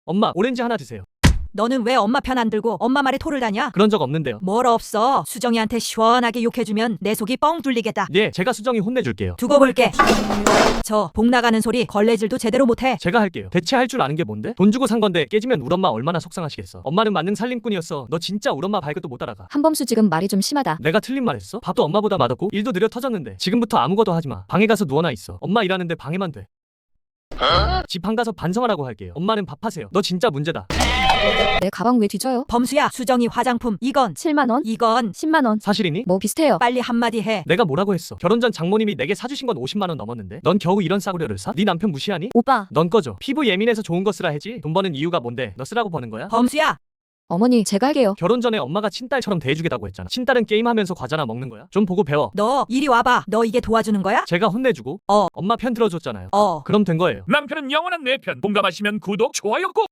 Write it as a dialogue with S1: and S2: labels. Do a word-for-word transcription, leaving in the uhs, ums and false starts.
S1: 엄마, 오렌지 하나 드세요.
S2: 너는 왜 엄마 편 안 들고 엄마 말에 토를 다냐?
S1: 그런 적 없는데요.
S2: 뭘 없어. 수정이한테 시원하게 욕해주면 내 속이 뻥 뚫리겠다.
S1: 예, 제가 수정이 혼내줄게요.
S2: 두고 볼게. 저 복 나가는 소리 걸레질도 제대로 못해.
S1: 제가 할게요. 대체 할 줄 아는 게 뭔데? 돈 주고 산 건데 깨지면 우리 엄마 얼마나 속상하시겠어. 엄마는 만능 살림꾼이었어. 너 진짜 우리 엄마 발끝도 못 따라가.
S3: 한범수 지금 말이 좀 심하다.
S1: 내가 틀린 말 했어? 밥도 엄마보다 맛없고 일도 느려 터졌는데 지금부터 아무것도 하지마. 방에 가서 누워나 있어. 엄마 일하는데 방해만 돼. 집 안 가서 반성하라고 할게요. 엄마는 밥하세요. 너 진짜 문제다.
S3: 내 가방 왜 뒤져요?
S2: 범수야, 수정이 화장품 이건
S3: 칠만 원?
S2: 이건
S3: 십만 원?
S1: 사실이니?
S3: 뭐 비슷해요.
S2: 빨리 한마디 해.
S1: 내가 뭐라고 했어? 결혼 전 장모님이 내게 사주신 건 오십만 원 넘었는데 넌 겨우 이런 싸구려를 사? 네 남편 무시하니?
S3: 오빠,
S1: 넌 꺼져. 피부 예민해서 좋은 거 쓰라 해지. 돈 버는 이유가 뭔데? 너 쓰라고 버는 거야?
S2: 범수야,
S3: 어머니 제가 할게요.
S1: 결혼 전에 엄마가 친딸처럼 대해주겠다고 했잖아. 친딸은 게임하면서 과자나 먹는 거야? 좀 보고 배워.
S2: 너 이리 와봐. 너 이게 도와주는 거야?
S1: 제가 혼내주고
S2: 어.
S1: 엄마 편 들어줬잖아요.
S2: 어.
S1: 그럼 된 거예요.
S4: 남편은 영원한 내 편. 공감하시면 구독, 좋아요 꼭!